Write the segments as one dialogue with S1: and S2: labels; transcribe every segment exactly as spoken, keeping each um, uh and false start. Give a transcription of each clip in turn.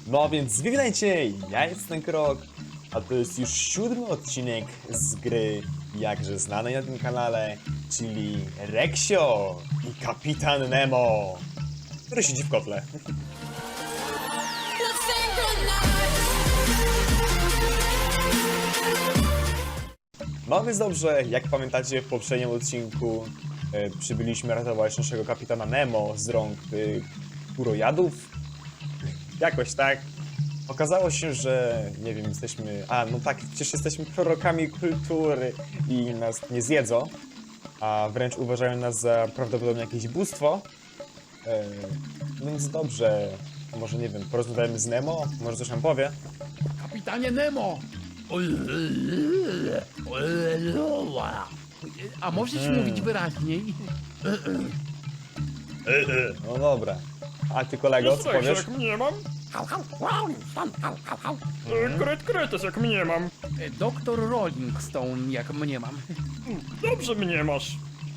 S1: No więc witajcie, ja jestem Krok, a to jest już siódmy odcinek z gry jakże znanej na tym kanale, czyli Reksio i Kapitan Nemo, który siedzi w kotle. No więc dobrze, jak pamiętacie w poprzednim odcinku e, przybyliśmy ratować naszego kapitana Nemo z rąk e, kurojadów. Jakoś tak. Okazało się, że nie wiem, jesteśmy... A, no tak, przecież jesteśmy prorokami kultury i nas nie zjedzą, a wręcz uważają nas za prawdopodobnie jakieś bóstwo. E, więc dobrze, może nie wiem, porozmawiamy z Nemo, może coś nam powie.
S2: Kapitanie Nemo! A możesz
S1: Hmm.
S2: mówić wyraźniej?
S1: No dobra. A ty kolego, co
S3: Słuchaj,
S1: powiesz?
S3: jak mnie mam? E, Kret kretes, jak mnie mam.
S2: Doktor Rolling Stone, jak mnie mam.
S3: Dobrze mnie masz.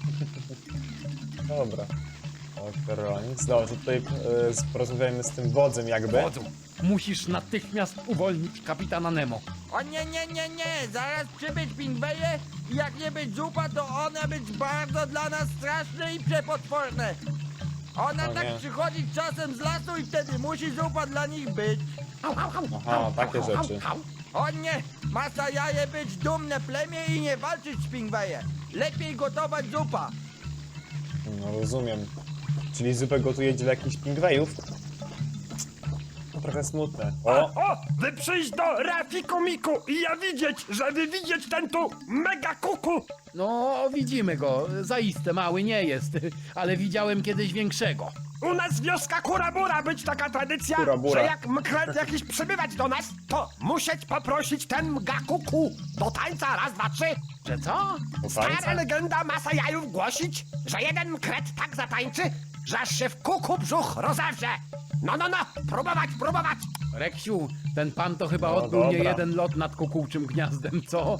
S1: Dobra. Doktor Rollins. Dobrze, tutaj e, porozmawiajmy z tym wodzem jakby.
S2: Wodzu, musisz natychmiast uwolnić kapitana Nemo.
S4: O nie, nie, nie, nie! Zaraz przybyć pingweje i jak nie być zupa, to one być bardzo dla nas straszne i przepotworne. Ona
S1: O
S4: tak
S1: nie.
S4: przychodzi czasem z lasu i wtedy musi zupa dla nich być.
S1: Aha, takie rzeczy.
S4: O nie! Masa jaje być dumne plemię i nie walczyć z pingweje. Lepiej gotować zupa.
S1: No rozumiem. Czyli zupę gotuje dla jakichś pingwejów? To trochę smutne. O!
S3: O, wy przyjść do Rafiku Miku i ja widzieć, żeby widzieć ten tu mega kuku.
S2: No, widzimy go. Zaiste mały nie jest, ale widziałem kiedyś większego.
S3: U nas wioska Kurabura być taka tradycja,
S1: Kurabura.
S3: że jak mkret jakiś przybywać do nas, to musieć poprosić ten mga kuku do tańca raz, dwa, trzy.
S2: Że co?
S1: Do
S3: Stara
S1: tańca?
S3: legenda masa jajów głosić, że jeden mkret tak zatańczy, że aż się w kuku brzuch rozewrze. No, no, no, próbować, próbować.
S2: Reksiu, ten pan to chyba
S1: No
S2: odbył nie
S1: dobra.
S2: jeden lot nad kukułczym gniazdem, co?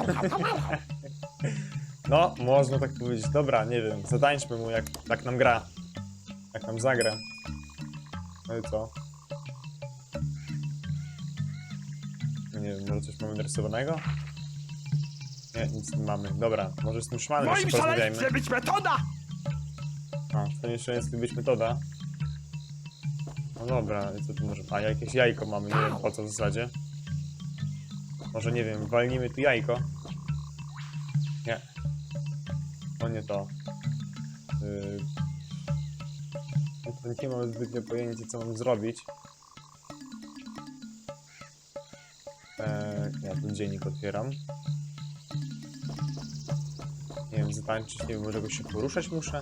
S1: No, można tak powiedzieć. Dobra, nie wiem, zatańczmy mu jak, jak nam gra. Jak nam zagra. No i co? No nie wiem, może coś mamy narysowanego? Nie, nic nie mamy. Dobra, może z tym
S3: W
S1: szmanem
S3: moim
S1: jeszcze porozmawiajmy.
S3: szaleństwie być metoda.
S1: A, w tym szaleństwie być metoda. No dobra, i co tu może... A, jakieś jajko mamy, nie wiem po co w zasadzie. Może nie wiem, walnijmy tu jajko. Nie. To nie to. Yy... No to nie mam zbytnio pojęcia, co mam zrobić. Eee, ja ten dziennik otwieram. Nie wiem, zatańczyć, nie wiem, może jakoś się poruszać muszę?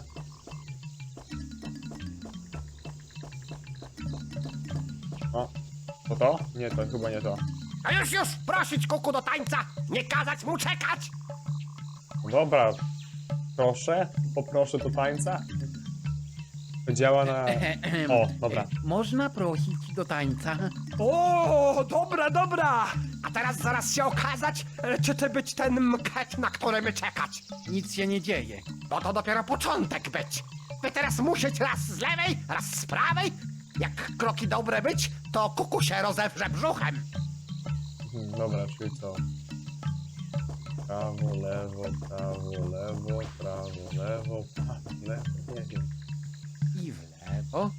S1: O, to to? Nie, to chyba nie to.
S3: A już, już, prosić kuku do tańca, nie kazać mu czekać.
S1: No dobra, proszę, poproszę do tańca. To działa na... O, dobra.
S2: Można prosić do tańca?
S3: O, dobra, dobra. A teraz zaraz się okazać, e, czy ty być ten mket, na który my czekać.
S2: Nic się nie dzieje.
S3: Bo to dopiero początek być. Wy teraz musieć raz z lewej, raz z prawej. Jak kroki dobre być, to kuku się rozewrze brzuchem.
S1: Mhm, dobra, czyli co? Prawo, lewo, prawo, lewo, prawo, lewo, prawo, lewo, nie wiem.
S2: I w lewo.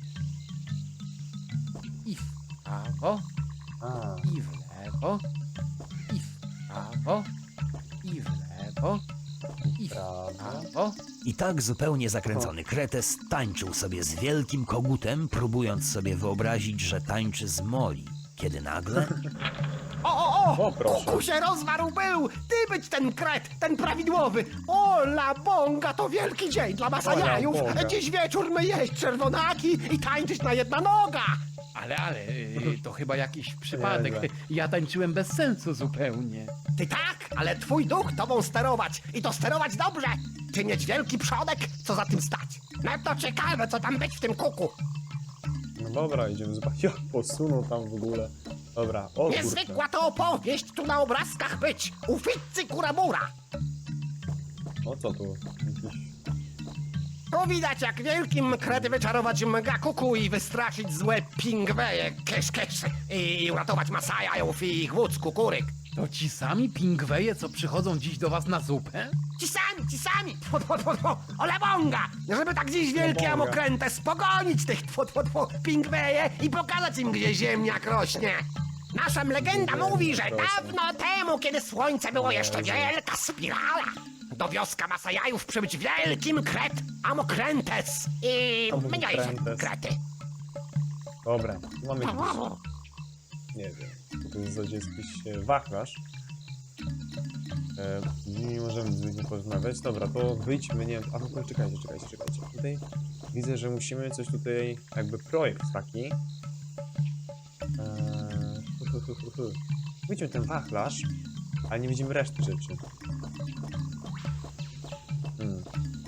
S2: I w prawo.
S1: A,
S2: I w lewo. I w prawo. I w lewo. I w
S1: prawo.
S2: prawo.
S5: I tak zupełnie zakręcony kretes tańczył sobie z wielkim kogutem, próbując sobie wyobrazić, że tańczy z Moli. Kiedy nagle...
S3: O, o, o!
S1: O, proszę.
S3: Kuku się rozwarł był! Ty być ten kret, ten prawidłowy! O, la bonga, to wielki dzień dla
S1: O, la
S3: masajajów!
S1: bonga.
S3: Dziś wieczór my jeść czerwonaki i tańczyć na jedna noga!
S2: Ale, ale, y, to chyba jakiś przypadek.
S1: Nieźle.
S2: Ja tańczyłem bez sensu zupełnie.
S3: Ty tak, ale twój duch tobą sterować i to sterować dobrze! Ty mieć wielki przodek, co za tym stać! No to ciekawe, co tam być w tym kuku!
S1: No dobra, idziemy zobaczyć. Jak posunął tam w ogóle. Dobra, o kurczę.
S3: Niezwykła to opowieść tu na obrazkach być! U Fitzy Kurabura!
S1: O co tu? Jakiś...
S3: Tu widać, jak wielkim krety wyczarować mega kuku i wystraszyć złe pingweje, kesz, kesz, i uratować Masajów i ich wódz kukuryk.
S2: To ci sami pingweje, co przychodzą dziś do was na zupę?
S3: Ci sami, ci sami, tfu, tfu, tfu, tfu, olebonga, żeby tak dziś wielkie
S1: Olebonga.
S3: amokręte spogonić tych tfu, tfu, tfu, pingweje i pokazać im, gdzie ziemniak rośnie. Nasza legenda
S1: Ziemniak
S3: mówi, że
S1: rośnie.
S3: dawno temu, kiedy słońce było jeszcze
S1: Jezu.
S3: wielka spirala, do wioska Masajów przybyć wielkim kret Amokrętes i mniejsze
S1: Amokrętes.
S3: krety.
S1: Dobra, tu mamy jakiś, nie wiem, to jest zasadzie jakiś e, wachlarz. E, nie możemy z nim porozmawiać. Dobra, to wyjdźmy, nie wiem, a w ogóle czekajcie, czekajcie, czekajcie. Tutaj widzę, że musimy coś tutaj, jakby projekt taki. Eee, hu, hu, hu, hu, hu. Widzimy ten wachlarz, ale nie widzimy reszty rzeczy. Hmm.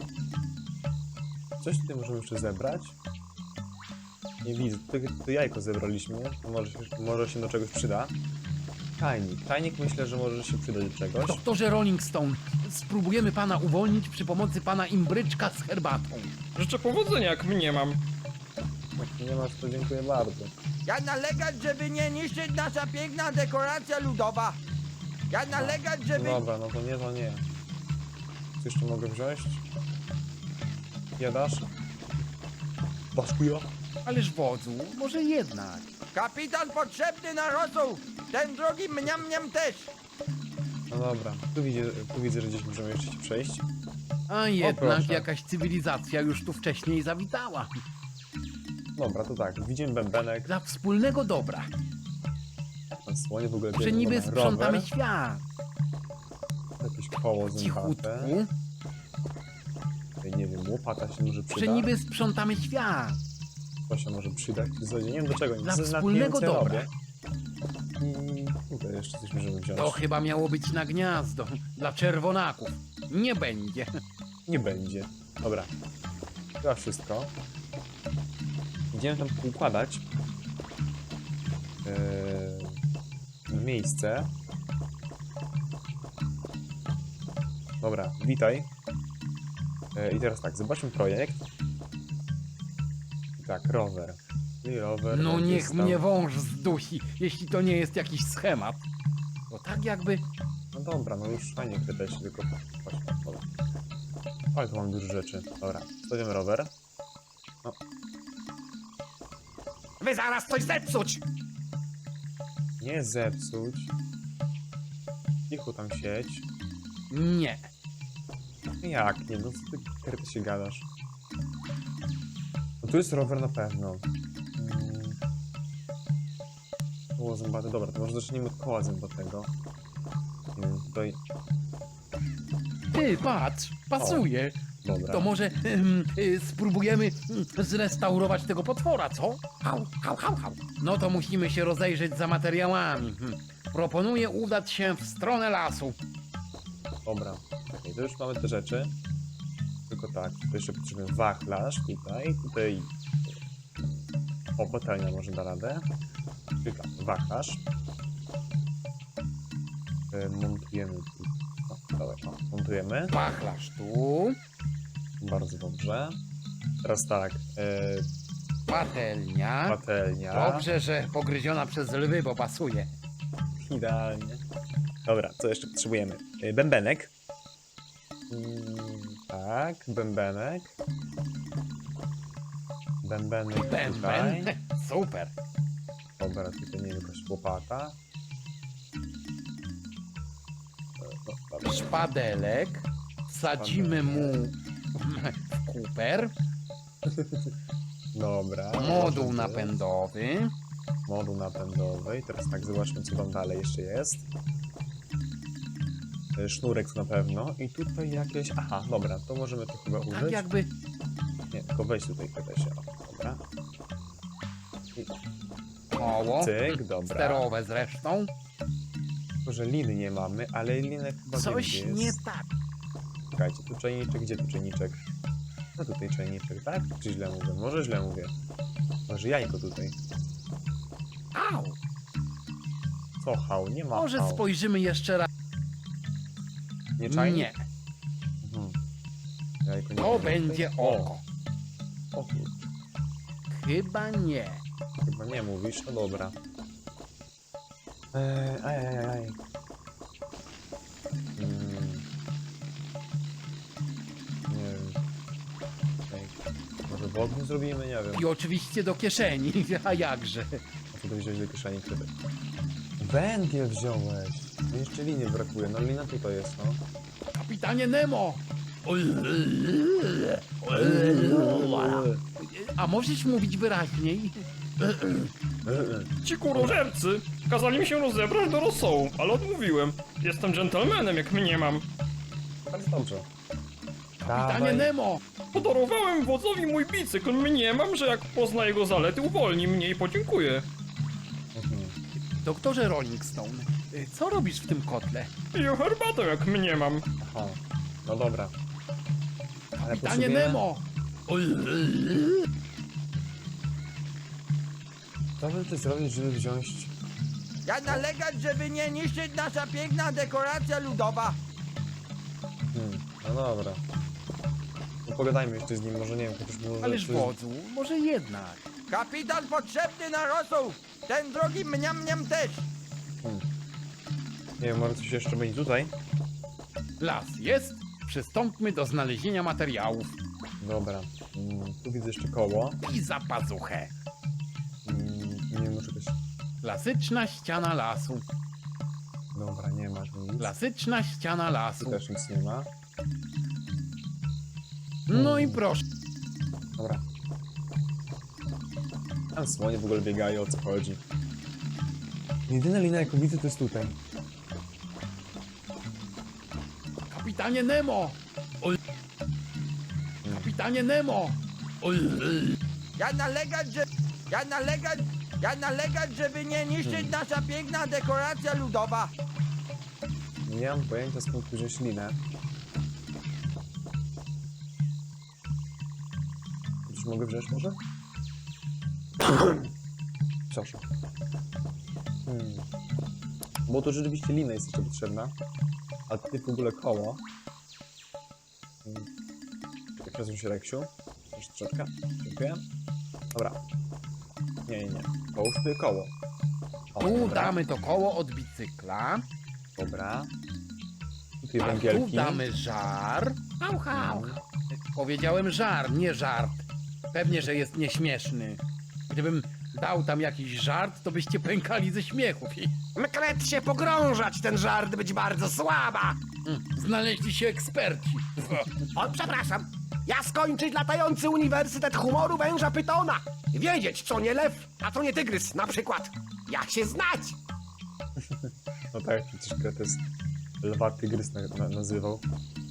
S1: Coś tutaj możemy jeszcze zebrać. Nie widzę, to, to jajko zebraliśmy, to może, się- może się do czegoś przyda. Tajnik, tajnik myślę, że może się przydać do czegoś.
S2: Doktorze Rolling Stone, spróbujemy pana uwolnić przy pomocy pana imbryczka z herbatą.
S6: Życzę powodzenia, jak mnie mam.
S1: Jak nie masz, to dziękuję bardzo.
S4: Ja nalegać, żeby nie niszczyć nasza piękna dekoracja ludowa. Ja nalegać, żeby...
S1: Dobra, no to nie, to nie. Co jeszcze mogę wziąć? Jadasz? Baskuja?
S2: Ależ wodzu, może jednak.
S4: Kapitan potrzebny na rosół. Ten drugi mniam mniam też.
S1: No dobra, tu widzę, tu widzę, że gdzieś możemy jeszcze się przejść.
S2: A jednak
S1: proszę.
S2: jakaś cywilizacja już tu wcześniej zawitała.
S1: Dobra, to tak, widzimy bębenek,
S2: Dla wspólnego dobra,
S1: ten słonie w ogóle
S2: że
S1: biegną
S2: niby
S1: na
S2: sprzątamy
S1: rower,
S2: świat.
S1: jakieś koło zębate,
S2: Cichutku,
S1: tutaj, nie wiem, łopata się może
S2: że
S1: przyda,
S2: niby sprzątamy świat.
S1: to się może przydać, w zasadzie nie wiem do czego,
S2: Dla
S1: z- nad nie
S2: wspólnego
S1: wiem, co ja
S2: dobra.
S1: robię. I tutaj jeszcze coś możemy wziąć.
S2: To chyba miało być na gniazdo dla czerwonaków. Nie będzie.
S1: Nie będzie. Dobra. Chyba wszystko. Idziemy tam układać yy, miejsce. Dobra, witaj. Yy, I teraz tak, zobaczmy projekt. Tak, rower. I rower.
S2: No
S1: będzie
S2: niech
S1: stał-
S2: mnie wąż zdusi, jeśli to nie jest jakiś schemat. Bo tak jakby...
S1: No dobra, no już fajnie pytać, tylko chodź, dobra. Ale tu mam dużo rzeczy. Dobra, stawiamy rower.
S3: Wy zaraz coś zepsuć.
S1: Nie zepsuć. Cicho tam sieć.
S2: Nie.
S1: Jak nie? No co ty karty się gadasz? No tu jest rower na pewno. Mm. Koło zębate. Dobra, to może zacznijmy od koła zębatego. Nie wiem, tutaj...
S2: Ty, patrz, pasuje.
S1: Dobra.
S2: To może em, y, spróbujemy mm, zrestaurować tego potwora, co?
S3: Hał, hał, hał, hał.
S2: No to musimy się rozejrzeć za materiałami. Hmm. Proponuję udać się w stronę lasu.
S1: Dobra. Okej, to już mamy te rzeczy. Tylko tak, to jeszcze potrzebujemy wachlarz tutaj, tutaj... O, patelnia może da radę. Czyli tak, wachlarz. E, Montujemy tu. O, dobra, o, montujemy.
S2: Wachlarz tu,
S1: Bardzo dobrze. Teraz tak, e,
S2: patelnia.
S1: patelnia.
S2: Dobrze, że pogryziona przez lwy, bo pasuje.
S1: Idealnie. Dobra, co jeszcze potrzebujemy? E, bębenek. Mm, tak, bębenek. Bębenek tutaj.
S2: Bęben. Super.
S1: Dobra, tutaj nie wiem, jakaś łopata. E, no, dobra.
S2: Szpadelek. Wsadzimy mu w kuper.
S1: Dobra.
S2: Moduł
S1: może
S2: napędowy.
S1: być. Moduł napędowy. I teraz tak, zobaczmy, co tam dalej jeszcze jest. E, Sznurek na pewno. I tutaj jakieś... Aha, dobra, to możemy to chyba użyć.
S2: Tak jakby
S1: Nie, tylko weź tutaj pytaj się. O, dobra. I
S2: koło.
S1: cyk, dobra.
S2: Sterowe zresztą.
S1: Tylko, że liny nie mamy, ale linek chyba
S2: Coś
S1: wiem, gdzie
S2: nie
S1: jest.
S2: tak.
S1: Czekajcie, tu czajniczek, gdzie tu czajniczek? No tutaj czajniczek, tak? Czy źle mówię? Może źle mówię. Może jajko tutaj.
S3: Au.
S1: Co hał? Nie ma
S2: Może
S1: hał.
S2: spojrzymy jeszcze raz.
S1: Nie czajnik?
S2: Nie.
S1: Mhm. Jajko nie
S2: To
S1: wiem.
S2: będzie oko.
S1: O, kur-
S2: Chyba nie.
S1: chyba nie mówisz, no dobra. Eee, aj, aj, aj, aj. Hmm. Nie wiem. Ej, może w ogniu zrobimy? Nie wiem.
S2: I oczywiście do kieszeni, a jakże.
S1: A co to wziąć do kieszeni wtedy? Węgiel wziąłeś! Mi jeszcze liny brakuje, no lina tutaj jest, no.
S2: Kapitanie Nemo! A możesz mówić wyraźniej?
S6: Ci kurożercy kazali mi się rozebrać do rosołu, ale odmówiłem. Jestem dżentelmenem, jak mniemam.
S1: Bardzo dobrze.
S2: Kapitanie
S1: Dawaj.
S2: Nemo!
S6: Podarowałem wodzowi mój bicykl, mniemam, że jak pozna jego zalety, uwolni mnie i podziękuję.
S1: Mhm.
S2: Doktorze Rolling Stone, co robisz w tym kotle?
S6: Piję herbatę, jak mniemam.
S1: Aha, no dobra. Ale
S2: Kapitanie
S1: potrzebujemy-
S2: Nemo!
S1: Co by ty zrobić, żeby wziąć...
S4: Ja nalegać, żeby nie niszczyć nasza piękna dekoracja ludowa.
S1: Hmm, no dobra. No pogadajmy jeszcze z nim, może nie wiem, chociaż może...
S2: Ależ
S1: czy-
S2: wodzu, może jednak.
S4: Kapitan potrzebny na rosół. Ten drogi mniam mniam też.
S1: Hmm. Nie wiem, może coś jeszcze będzie tutaj?
S2: Las jest, przystąpmy do znalezienia materiałów.
S1: Dobra. Mm, tu widzę jeszcze koło.
S2: I za pazuchę.
S1: Mm, nie wiem, może coś...
S2: Klasyczna ściana lasu.
S1: Dobra, nie ma tu nic.
S2: Klasyczna ściana
S1: Tu
S2: lasu.
S1: też nic nie ma.
S2: No i proszę.
S1: Dobra. Tam słonie w ogóle biegają, o co chodzi. Jedyna lina, jaką widzę, to jest tutaj.
S2: Kapitanie Nemo! Oj. Kapitanie Nemo! Oj.
S4: Ja nalegać, że... Ja nalegać... Ja nalegać, żeby nie niszczyć nasza piękna dekoracja ludowa.
S1: Nie mam pojęcia, skąd tu wziąć linę. Coś mogę wziąć może? Proszę. Hmm. Bo to rzeczywiście lina jest jeszcze potrzebna. A ty w ogóle koło. Hmm. Czekaj, przesuń się, Reksiu. Jeszcze troszeczkę. Dziękuję. Dobra. Nie, nie, nie. Połóż tutaj koło. O,
S2: Tu
S1: dobra.
S2: damy to koło od bicykla.
S1: Dobra. Tutaj
S2: A tu
S1: węgielki.
S2: damy żar. Hał, hał. Powiedziałem żar, nie żart. Pewnie, że jest nieśmieszny. Gdybym dał tam jakiś żart, to byście pękali ze śmiechu.
S3: Mkret się pogrążać, ten żart być bardzo słaba.
S2: Mm, Znaleźli się eksperci.
S3: O, przepraszam. Ja skończyć latający Uniwersytet Humoru Węża Pytona. Wiedzieć, co nie lew, a co nie tygrys, na przykład. Jak się znać.
S1: No tak, przecież Kretes lwa tygrys na, na, nazywał.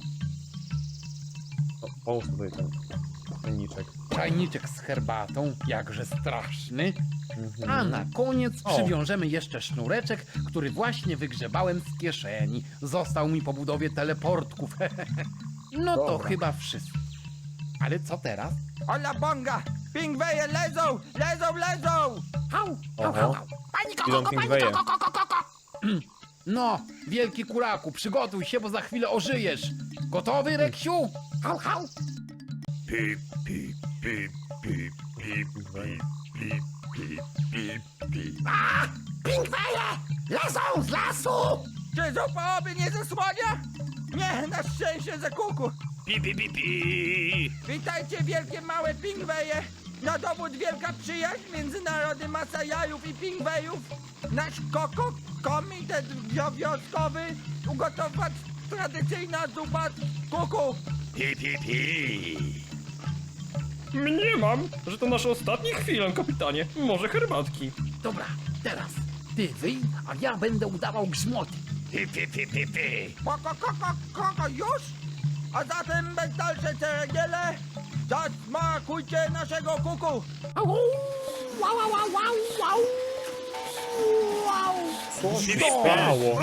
S1: O, połóż tutaj ten czajniczek.
S2: Czajniczek z herbatą, jakże straszny.
S1: Mhm.
S2: A na koniec
S1: O.
S2: przywiążemy jeszcze sznureczek, który właśnie wygrzebałem z kieszeni. Został mi po budowie teleportków. No to
S1: Dobra.
S2: chyba wszystko. Ale co teraz?
S4: Ola bonga! Pingweje lezą! Lezą, lezą!
S3: Hał, hał,
S1: Oho.
S3: hał, hał. Pani
S1: Idą
S3: koko, pani
S1: pingweje.
S3: koko, koko, koko.
S2: No, wielki kuraku, przygotuj się, bo za chwilę ożyjesz. Gotowy, Reksiu?
S3: Hał, hał. A, pingweje! Lezą z lasu!
S4: Czy zupa oby nie zasłania? Nie, na szczęście za kuku.
S5: Pi, pi, pi, pi.
S4: Witajcie wielkie małe pingweje. Na dowód wielka przyjaźń między narodem Masajajów i pingwejów. Nasz koko komitet wioskowy ugotować tradycyjna zupa z kuku.
S5: Pi, pi, pi.
S6: Mniemam, że to nasze ostatnie chwile, kapitanie. Może herbatki.
S2: Dobra, teraz ty wyj, a ja będę udawał grzmoty.
S5: Pi, pi, pi, pi, pi.
S4: Koko, koko, koko, już? A zatem bez dalszej ceregiele zasmakujcie naszego kuku.
S3: Au, wow, wow, wow, wow, wow. Wow.
S1: Co się stało?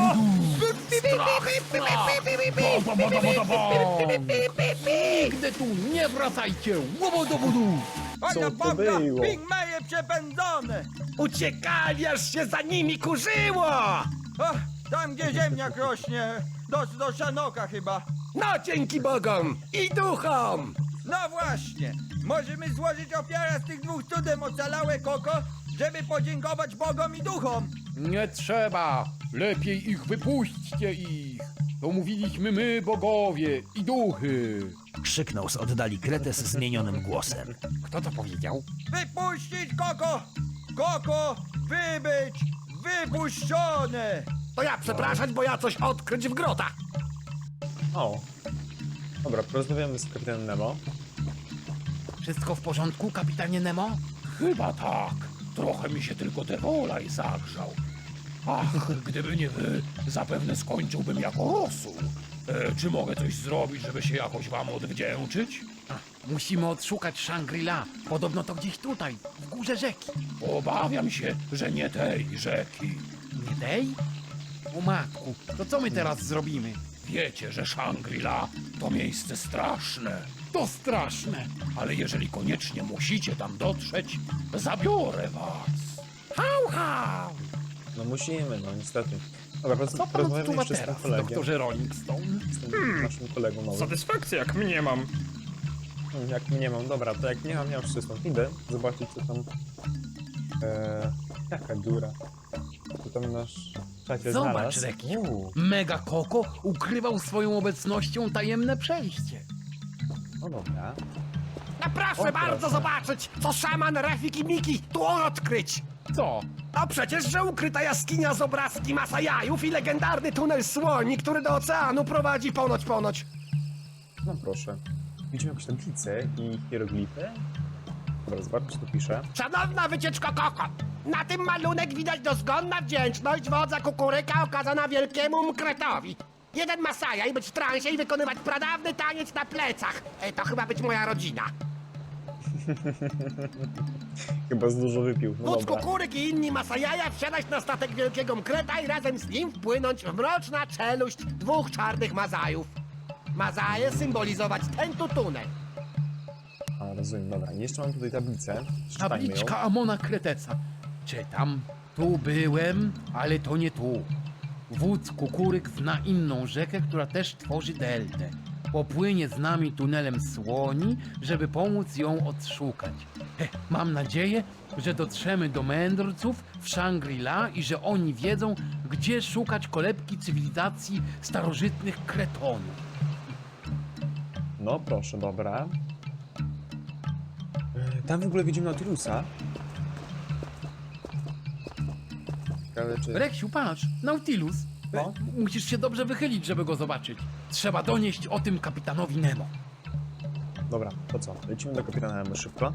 S2: Nigdy tu nie wracajcie! Łobodobudu!
S1: Co
S4: Ola
S1: to
S4: bonga,
S1: było?
S4: pingweje przepędzone.
S3: Uciekali, aż się za nimi kurzyło!
S4: O, tam gdzie ziemniak rośnie. Do, do szanoka chyba.
S3: No dzięki bogom i duchom!
S4: No właśnie, możemy złożyć ofiarę z tych dwóch cudem ocalałe koko, żeby podziękować bogom i duchom.
S2: Nie trzeba! Lepiej ich wypuśćcie ich! To mówiliśmy my, bogowie i duchy!
S5: Krzyknął z oddali Kretes zmienionym głosem.
S2: Kto to powiedział?
S4: Wypuścić koko! Koko, wybyć, wypuszczone!
S3: To ja przepraszać, bo ja coś odkryć w grotach.
S1: O. Dobra, porozmawiamy z kapitanem Nemo.
S2: Wszystko w porządku, kapitanie Nemo?
S7: Chyba tak. Trochę mi się tylko Devolaj zagrzał. Ach, gdyby nie wy, zapewne skończyłbym jako rosół. E, czy mogę coś zrobić, żeby się jakoś wam odwdzięczyć?
S2: A, musimy odszukać Shangri-La. Podobno to gdzieś tutaj, w górze rzeki.
S7: Obawiam się, że nie tej rzeki.
S2: Nie tej? O matku, to co my teraz zrobimy?
S7: Wiecie, że Shangri-La to miejsce straszne.
S2: To straszne!
S7: Ale jeżeli koniecznie musicie tam dotrzeć, zabiorę was.
S2: Hał, hał!
S1: No musimy, no niestety. Dobra, poz-
S2: Co pan
S1: porozmawiamy
S2: odczuwa
S1: jeszcze z tym
S2: teraz,
S1: kolegiem.
S2: doktorze Rolling Stone?
S1: Z tym naszym kolegą nowym.
S6: Satysfakcja jak mnie mam.
S1: Hmm, Jak nie mam, dobra, to jak nie mam, ja już wszystko idę zobaczyć co tam... Eee, jaka dziura. Co tam nasz czacie
S2: Zobacz,
S1: znalazł.
S2: Rekiu.
S1: Uuu,
S2: Mega Koko ukrywał swoją obecnością tajemne przejście.
S1: no dobra.
S3: No proszę
S1: O,
S3: bardzo
S1: proszę.
S3: zobaczyć, co szaman Rafik i Miki tu odkryć.
S2: Co?
S3: No przecież, że ukryta jaskinia z obrazki Masajajów i legendarny tunel słoni, który do oceanu prowadzi ponoć, ponoć.
S1: No proszę. Widzimy jakąś tablicę i hieroglify. Dobra, zobaczmy co tu pisze.
S3: Szanowna wycieczko Koko, na tym malunek widać dozgonna wdzięczność wodza Kukuryka okazana wielkiemu Mkretowi. Jeden Masajaj być w transie i wykonywać pradawny taniec na plecach. E, to chyba być moja rodzina.
S1: Chyba z dużo wypił. No
S3: Wódz
S1: dobra.
S3: Kukuryk i inni Masajaja wsiadać na statek wielkiego Mkreta i razem z nim wpłynąć w mroczna czeluść dwóch czarnych Mazajów. Mazaje symbolizować ten tu tunel.
S1: A, rozumiem, dobra. I jeszcze mam tutaj tablicę. Przeczytajmy ją.
S2: Tabliczka Amona Kreteca. Czytam. Tu byłem, ale to nie tu. Wódz Kukuryk zna inną rzekę, która też tworzy deltę. Popłynie z nami tunelem słoni, żeby pomóc ją odszukać. He, mam nadzieję, że dotrzemy do mędrców w Shangri-La i że oni wiedzą, gdzie szukać kolebki cywilizacji starożytnych Kretonów.
S1: No proszę, dobra. E, Tam w ogóle widzimy Nautilusa. Ciekawe czy...
S2: Reksiu, patrz, Nautilus.
S1: No.
S2: E, Musisz się dobrze wychylić, żeby go zobaczyć. Trzeba donieść o tym kapitanowi Nemo.
S1: Dobra, to co? Lecimy do kapitana Nemo szybko.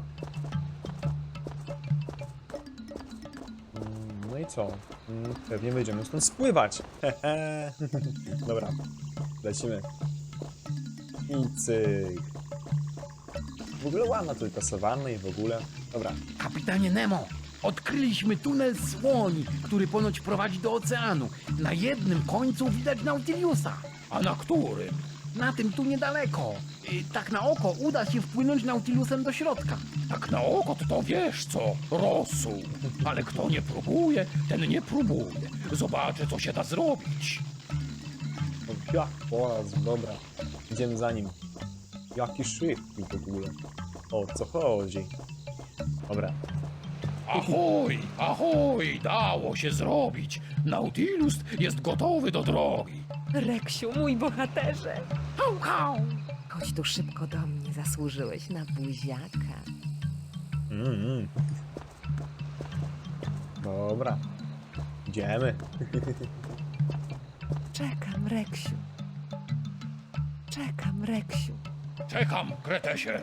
S1: Mm, No i co? Mm, Pewnie będziemy stąd spływać. Hehe. Dobra, lecimy. I cyk. W ogóle ładna tutaj sawanna i w ogóle. Dobra,
S2: Kapitanie Nemo, odkryliśmy tunel słoni, który ponoć prowadzi do oceanu. Na jednym końcu widać Nautilusa.
S7: A na którym?
S2: Na tym tu niedaleko. I tak na oko uda się wpłynąć Nautilusem do środka.
S7: Tak na oko to, to wiesz co, rosół. Ale kto nie próbuje, ten nie próbuje. Zobaczę, co się da zrobić.
S1: o, jak poraz, dobra. Idziemy za nim. Jaki szybki w ogóle. O co chodzi? Dobra.
S7: Ahoj, ahoj, dało się zrobić. Nautilus jest gotowy do drogi.
S8: Reksiu, mój bohaterze!
S2: Hał, hał!
S8: Chodź tu szybko do mnie, zasłużyłeś na buziaka.
S1: Mm, mm. Dobra. Idziemy.
S8: Czekam, Reksiu. Czekam, Reksiu.
S7: Czekam, Kretesie.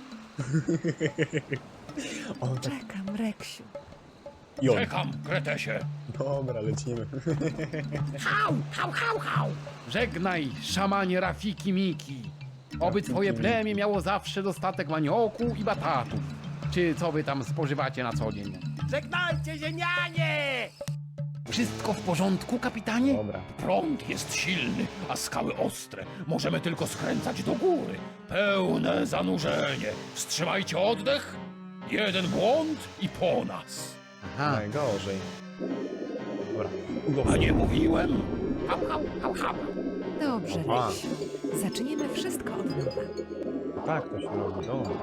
S1: O, tak.
S8: Czekam, Reksiu.
S1: I on.
S7: Czekam, Kretesie.
S1: Dobra, lecimy.
S2: Hał, hał, hał, hał! Żegnaj, szamanie Rafiki Miki. Oby twoje plemię miało zawsze dostatek manioku i batatów. Czy co wy tam spożywacie na co dzień?
S3: Żegnajcie ziemianie!
S2: Wszystko w porządku, kapitanie?
S1: Dobra.
S7: Prąd jest silny, a skały ostre. Możemy tylko skręcać do góry. Pełne zanurzenie. Wstrzymajcie oddech. Jeden błąd i po nas.
S2: Aha,
S1: Najgorzej. Dobra.
S7: A nie mówiłem?
S2: hał, hał, hał, hał.
S8: Dobrze,
S1: Aha.
S8: Reksiu. Zaczniemy wszystko od nowa.
S1: Tak to się robi, dobra.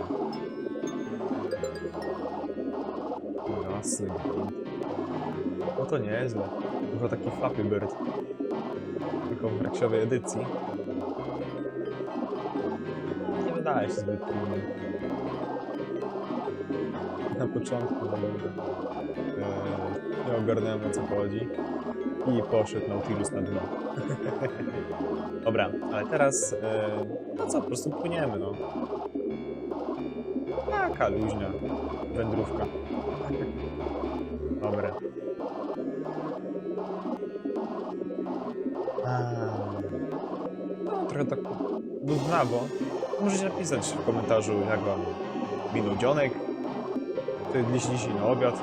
S1: Jasny gwint. No to nieźle. Tylko taki Flappy Bird. Tylko w reksiowej edycji. Nie wydaje się zbyt trudny. Na początku e, nie ogarnąłem, o co chodzi. I poszedł Nautilus na dno. Dobra, ale teraz e, no co, po prostu płyniemy, no. Taka luźna wędrówka. Dobra. A, no trochę tak nudnawo. Możecie napisać w komentarzu, jak wam minął dzionek. Co jedliście dzisiaj na obiad.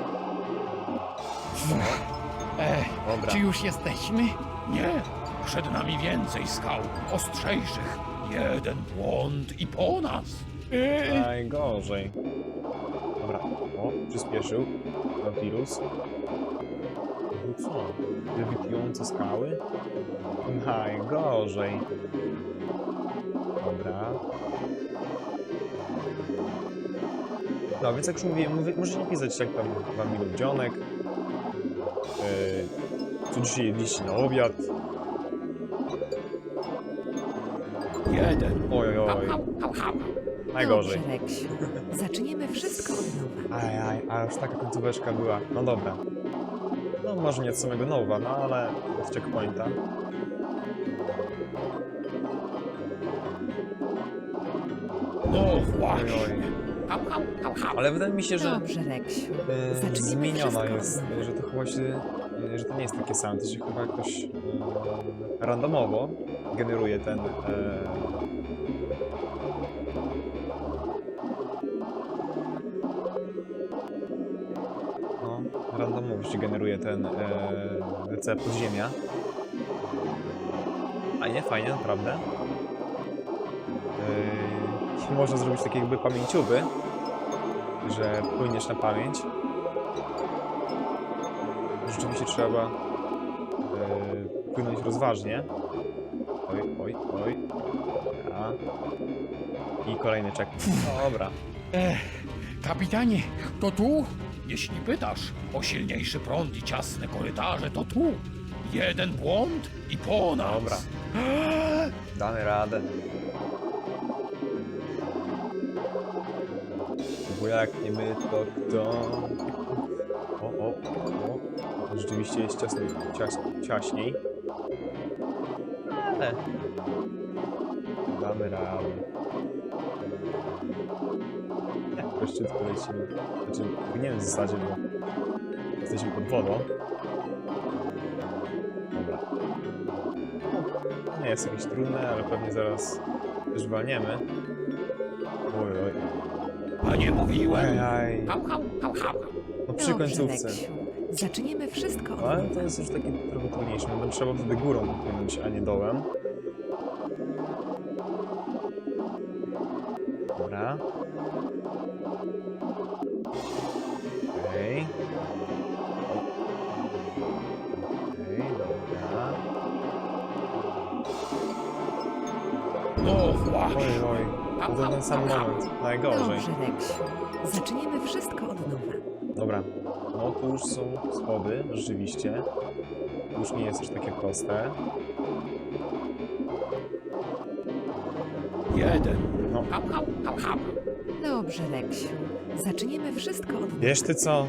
S2: Ech,
S1: Dobra.
S2: czy już jesteśmy?
S7: Nie, przed nami więcej skał, ostrzejszych. Jeden błąd i po nas.
S2: Yy,
S1: Najgorzej. Dobra, o, przyspieszył Nautilus. No co? Lewitujące skały? Najgorzej. Dobra. No, więc jak już mówiłem, mówię, możecie napisać, jak tam wam minął dzionek. Yy, co dzisiaj jedliście na obiad.
S7: Jeden.
S1: Oj, oj, oj. Najgorzej.
S8: Dobrze, Reksiu. Zaczniemy wszystko od nowa.
S1: Aj, aj, a już taka końcóweczka była. No dobra. No może nie od samego nowa, no ale od checkpointa.
S7: No
S1: Oj,
S7: właśnie.
S1: oj. Ale wydaje mi się, że
S8: Dobrze, Reksiu.
S1: e,
S8: Zaczniemy
S1: zmieniona
S8: wszystko
S1: jest,
S8: od nowa.
S1: że to chyba się, e, że to nie jest takie same, to się chyba jakoś e, randomowo generuje ten e, no, randomowo się generuje ten e, recept podziemia. Fajnie, fajnie, naprawdę. Yy, można zrobić takie jakby pamięciowy, że płyniesz na pamięć. Rzeczywiście trzeba yy, płynąć rozważnie. Oj, oj, oj. Dobra. I kolejny czek. Dobra.
S2: ech, kapitanie, to tu?
S7: Jeśli pytasz o silniejszy prąd i ciasne korytarze, to tu. Jeden błąd i po nas.
S1: Dobra. Damy radę. Bo jak nie my, to kto? O, o, o. Rzeczywiście jest ciasniej, cias, ciaśniej. Ale damy radę. Jak szybko lecimy. Znaczy, nie wiem w zasadzie, bo jesteśmy pod wodą. Dobra. Nie jest jakieś trudne, ale pewnie zaraz też walniemy. Oj, oj.
S7: A nie mówiłem.
S1: Ajaj. No przy
S8: Dobrze,
S1: końcówce.
S8: Reksiu. Zaczniemy wszystko od
S1: Ale
S8: nowa.
S1: to jest już takie trochę trudniejsze, no bo trzeba wtedy górą płynąć, a nie dołem. Dobra. Okej. Okej, dobra.
S7: No właśnie.
S1: Oj, oj. To ten sam moment. Najgorzej.
S8: Dobrze, Reksiu. Zaczniemy wszystko od nowa.
S1: Dobra. No tu już są schody, rzeczywiście. Tu już nie jest już takie proste.
S7: Jeden.
S1: No.
S8: Dobrze, Reksiu. Zaczniemy wszystko od nowa.
S1: Wiesz ty co?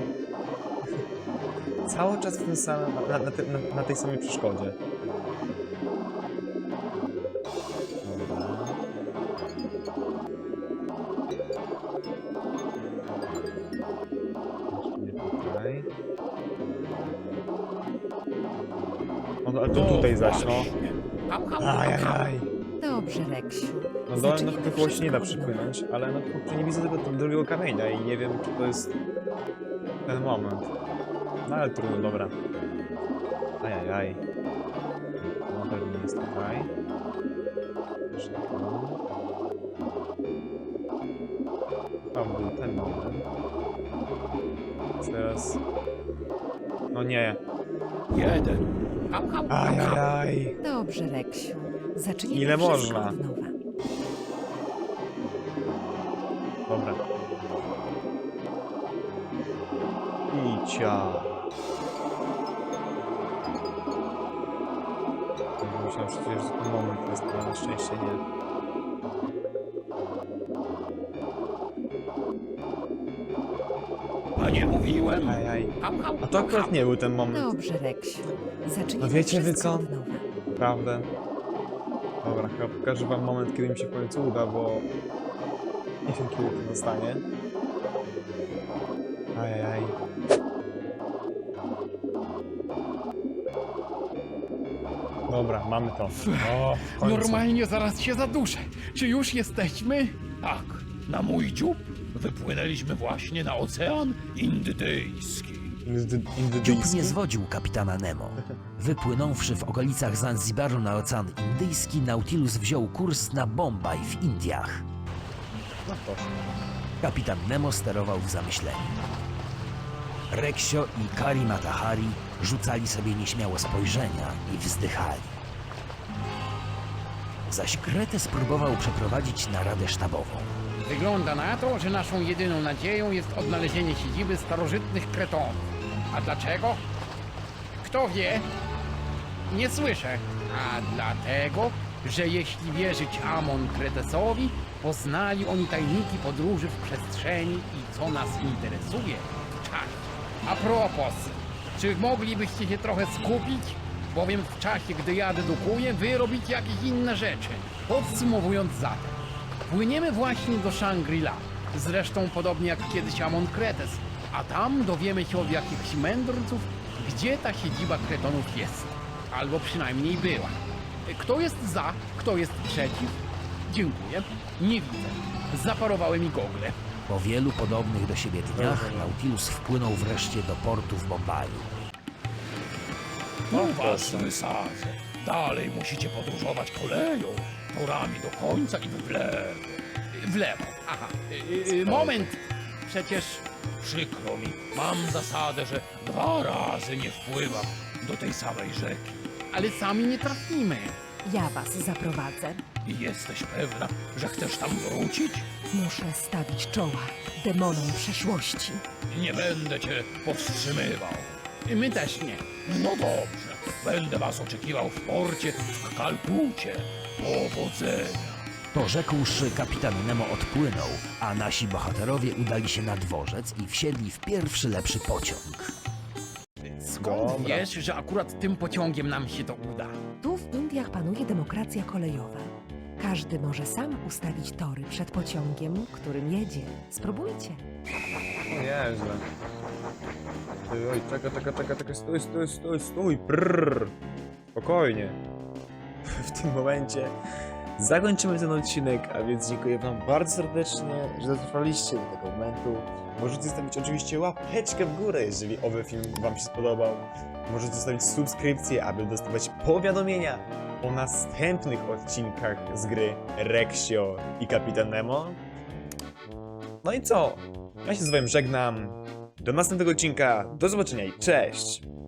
S1: Cały czas w tym samym, na, na, ty- na, na tej samej przeszkodzie. Dobra. Jeszcze nie tutaj. No, ale to tutaj zaś, no. Ajajaj.
S8: Dobrze, Reksiu.
S1: No dołem no
S8: Zaczniemy
S1: chyba było się nie da
S8: wszystko od nowa.
S1: przypłynąć, ale no kurczę, nie widzę tego drugiego kamienia i nie wiem, czy to jest ten moment. No ale trudno, dobra. Ajajaj. No pewnie jest tutaj. Jeszcze tu. Tam był ten moment. Teraz... No nie.
S7: Jeden.
S1: Ajajaj.
S8: Dobrze, Reksiu. Zaczniemy
S1: Ile
S8: wszystko
S1: można?
S8: od nowa.
S1: Dobra. Icia. Myślałem przecież, że ten moment jest, ale na szczęście nie.
S7: A nie mówiłem?
S1: Ajaj.
S7: Hał, hał,
S1: A to akurat nie był ten moment.
S8: Dobrze, Reksiu. Zaczniemy
S1: No wiecie wy
S8: wszystko
S1: co?
S8: od nowa.
S1: Prawdę. Dobra, chyba pokażę wam moment, kiedy mi się w końcu uda, bo nie wiem, kiedy to nastanie. Ajajaj. Dobra, mamy to. O, w końcu.
S2: Normalnie zaraz się zaduszę. Czy już jesteśmy?
S7: Tak, na mój dziób wypłynęliśmy właśnie na Ocean Indyjski.
S1: Indy-
S5: Dziób
S1: Indyjski?
S5: nie zwodził kapitana Nemo. Wypłynąwszy w okolicach Zanzibaru na Ocean Indyjski, Nautilus wziął kurs na Bombaj w Indiach.
S1: No proszę.
S5: Kapitan Nemo sterował w zamyśleniu. Reksio i Kari Matahari rzucali sobie nieśmiało spojrzenia i wzdychali. Zaś Kretę spróbował przeprowadzić naradę sztabową.
S2: Wygląda na to, że naszą jedyną nadzieją jest odnalezienie siedziby starożytnych Kretonów. A dlaczego? Kto wie? Nie słyszę. A dlatego, że jeśli wierzyć Amon Kretesowi, poznali oni tajniki podróży w przestrzeni i co nas interesuje? Czas. A propos, czy moglibyście się trochę skupić? Bowiem w czasie, gdy ja dedukuję, wy robicie jakieś inne rzeczy. Podsumowując zatem, płyniemy właśnie do Shangri-La. Zresztą podobnie jak kiedyś Amon Kretes. A tam dowiemy się od jakichś mędrców, gdzie ta siedziba Kretonów jest. Albo przynajmniej była. Kto jest za, kto jest przeciw? Dziękuję. Nie widzę. Zaparowały mi gogle.
S5: Po wielu podobnych do siebie dniach Nautilus wpłynął wreszcie do portu w Bombaju.
S7: No was wysadzę. Dalej musicie podróżować koleją, torami do końca i w lewo.
S2: W lewo. Aha. Y, y, moment. Przecież
S7: Przykro mi, mam zasadę, że dwa razy nie wpływam do tej samej rzeki.
S2: ale sami nie trafimy.
S8: Ja was zaprowadzę.
S7: I jesteś pewna, że chcesz tam wrócić?
S8: Muszę stawić czoła demonom przeszłości.
S7: Nie będę cię powstrzymywał.
S2: My też nie.
S7: No dobrze, będę was oczekiwał w porcie w Kalkucie. Powodzenia.
S5: To rzekłszy, kapitan Nemo odpłynął, a nasi bohaterowie udali się na dworzec i wsiedli w pierwszy lepszy pociąg.
S2: Skąd
S1: Dobra.
S2: wiesz, że akurat tym pociągiem nam się to uda?
S8: Tu w Indiach panuje demokracja kolejowa. Każdy może sam ustawić tory przed pociągiem, którym jedzie. Spróbujcie.
S1: O Jezu. Ty, oj, czekaj, czekaj, czekaj, czekaj, stój, stój, stój, stój, prrr. Spokojnie. W tym momencie zakończymy ten odcinek, a więc dziękuję wam bardzo serdecznie, że dotrwaliście do tego momentu. Możecie zostawić oczywiście łapeczkę w górę, jeżeli owy film wam się spodobał. Możecie zostawić subskrypcję, aby dostawać powiadomienia o następnych odcinkach z gry Reksio i Kapitan Nemo. No i co? Ja się z wami żegnam. Do następnego odcinka. Do zobaczenia i cześć!